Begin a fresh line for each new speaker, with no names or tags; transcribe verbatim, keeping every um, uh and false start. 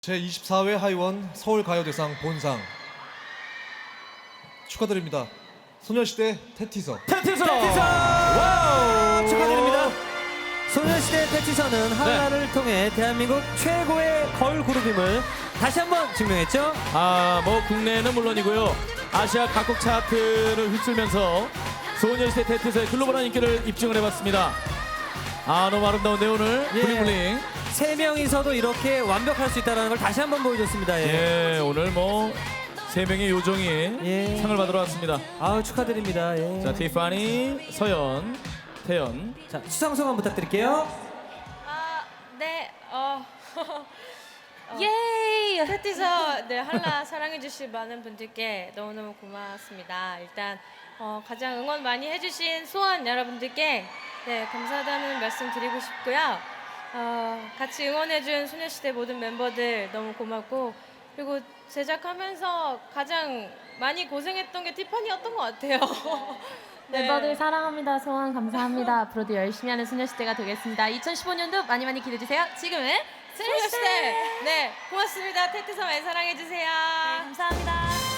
제이십사 회 하이원 서울가요대상 본상 축하드립니다. 소녀시대 테티서.
테티서!
테티서!
와우!
축하드립니다. 소녀시대 테티서는 한라를 통해 대한민국 최고의 걸그룹임을 다시 한번 증명했죠.
아, 뭐 국내는 물론이고요. 아시아 각국 차트를 휩쓸면서 소녀시대 테티서의 글로벌한 인기를 입증을 해봤습니다. 아, 너무 아름다운데 오늘
예.
블링블링.
세 명이서도 이렇게 완벽할 수 있다는 걸 다시 한번 보여줬습니다. 예.
예, 오늘 뭐 세 명의 요정이
예.
상을 받으러 왔습니다.
아우 축하드립니다. 예.
자, 티파니, 서연, 태연.
자, 수상 소감 부탁드릴게요.
아, 네, 어, 예이! 테티서, 네, 한라 사랑해주신 많은 분들께 너무너무 고맙습니다. 일단, 어, 가장 응원 많이 해주신 소원 여러분들께, 네, 감사하다는 말씀 드리고 싶고요. 어, 같이 응원해준 소녀시대 모든 멤버들 너무 고맙고, 그리고 제작하면서 가장 많이 고생했던 게 티파니였던 것 같아요. 네.
멤버들 사랑합니다. 소원 감사합니다. 앞으로도 열심히 하는 소녀시대가 되겠습니다. 이천십오 년도 많이 많이 기대해주세요. 지금은
소녀시대! 네, 고맙습니다. 테티서 많이 사랑해주세요.
감사합니다.